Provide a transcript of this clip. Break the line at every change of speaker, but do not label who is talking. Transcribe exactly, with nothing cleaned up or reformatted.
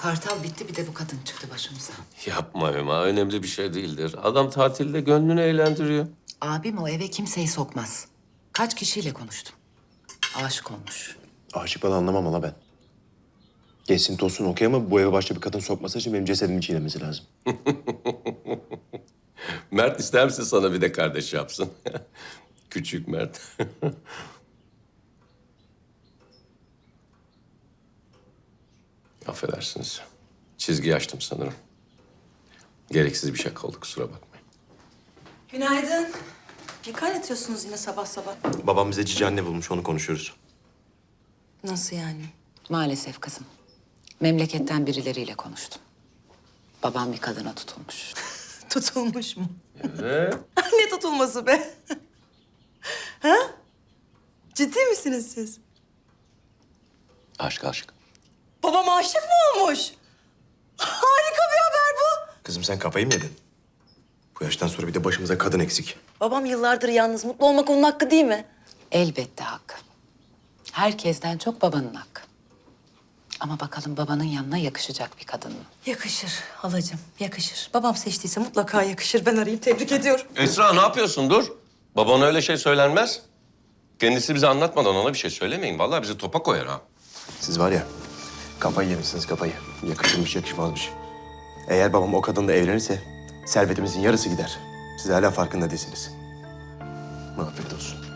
Kartal bitti, bir de bu kadın çıktı başımıza.
Yapma Hüma, önemli bir şey değildir. Adam tatilde gönlünü eğlendiriyor.
Abim o eve kimseyi sokmaz. Kaç kişiyle konuştum. Aşık olmuş.
Aşık falan anlamam hala ben. Geçsin tozsun okey ama bu eve başka bir kadın sokması için benim cesedimi çiğnemesi lazım.
Mert ister misin sana bir de kardeş yapsın? Küçük Mert. Affedersiniz. Çizgi açtım sanırım. Gereksiz bir şey oldu, kusura bakmayın.
Günaydın. Ne kaynatıyorsunuz yine sabah sabah?
Babam bize cici anne bulmuş, onu konuşuyoruz.
Nasıl yani?
Maalesef kızım. Memleketten birileriyle konuştum. Babam bir kadına tutulmuş.
Tutulmuş mu?
Evet.
Ne tutulması be? Ha? Ciddi misiniz siz?
Aşk aşk.
Babam aşık mı olmuş? Harika bir haber bu.
Kızım sen kafayı mı yedin? Bu yaştan sonra bir de başımıza kadın eksik.
Babam yıllardır yalnız. Mutlu olmak onun hakkı değil mi?
Elbette hakkı. Herkesten çok babanın hakkı. Ama bakalım babanın yanına yakışacak bir kadın mı?
Yakışır halacığım, yakışır. Babam seçtiyse mutlaka yakışır. Ben arayayım, tebrik ediyorum.
Esra ne yapıyorsun? Dur. Babana öyle şey söylenmez. Kendisi bize anlatmadan ona bir şey söylemeyin. Vallahi bizi topa koyar ha.
Siz var ya, kafayı yemişsiniz kafayı. Yakışırmış yakışmazmış. Eğer babam o kadınla evlenirse servetimizin yarısı gider. Siz hala farkında değilsiniz. Afiyet olsun.